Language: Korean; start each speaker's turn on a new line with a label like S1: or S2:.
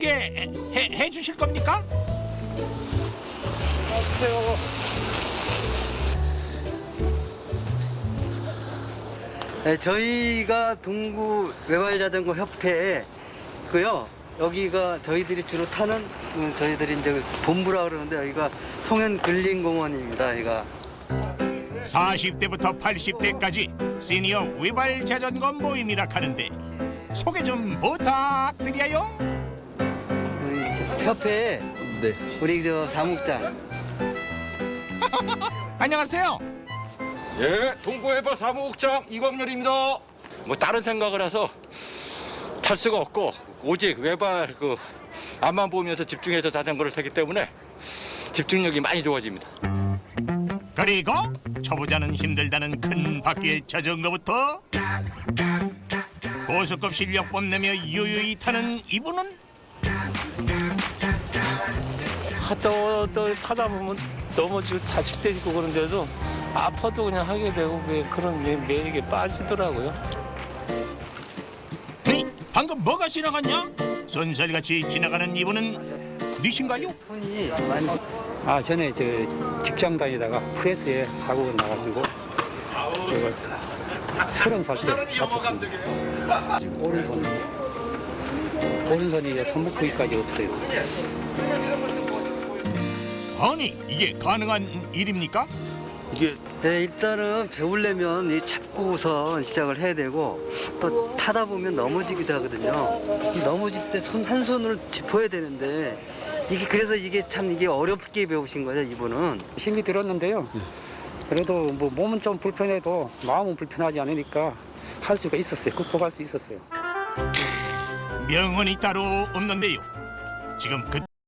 S1: 쉽게 해 주실 겁니까?
S2: 안녕하세요.
S3: 네, 저희가 동구 외발자전거 협회고요. 여기가 저희들이 주로 타는 저희들이 이제 본부라 그러는데 여기가 송현 근린공원입니다. 여기가
S1: 40대부터 80대까지 시니어 외발 자전거 모임이라 하는데 소개 좀 부탁드려요.
S3: 우리 협회
S2: 네.
S3: 우리 저 사무장
S1: 안녕하세요.
S4: 예, 동구해발 사무국장 이광렬입니다. 뭐 다른 생각을 해서 탈 수가 없고 오직 외발 앞만 보면서 집중해서 자전거를 타기 때문에 집중력이 많이 좋아집니다.
S1: 그리고 초보자는 힘들다는 큰 바퀴의 자전거부터 고수급 실력 뽐내며 유유히 타는 이분은
S2: 또 타다 보면 넘어지고 다칠 때 있고 그런데도 아파도 그냥 하게 되고 그런 매력에 빠지더라고요.
S1: 에이, 방금 뭐가 지나갔냐? 쏜살같이 지나가는 이분은 니신가요?
S3: 손이 많이
S5: 아, 전에 저 직장 다니다가 프레스에 사고가 나가지고 제가 30살 때 다쳤습니다. 오른손이 이제 손목 부위까지 없어요.
S1: 아니 이게 가능한 일입니까?
S4: 이게
S3: 네, 일단은 배우려면 이 잡고선 시작을 해야 되고 또 타다 보면 넘어지기도 하거든요. 이 넘어질 때 손 한 손으로 짚어야 되는데 이게 그래서 이게 참 이게 어렵게 배우신 거죠, 이분은.
S5: 힘이 들었는데요. 그래도 뭐 몸은 좀 불편해도 마음은 불편하지 않으니까 할 수가 있었어요. 극복할 수 있었어요.
S1: 명언이 따로 없는데요. 지금 그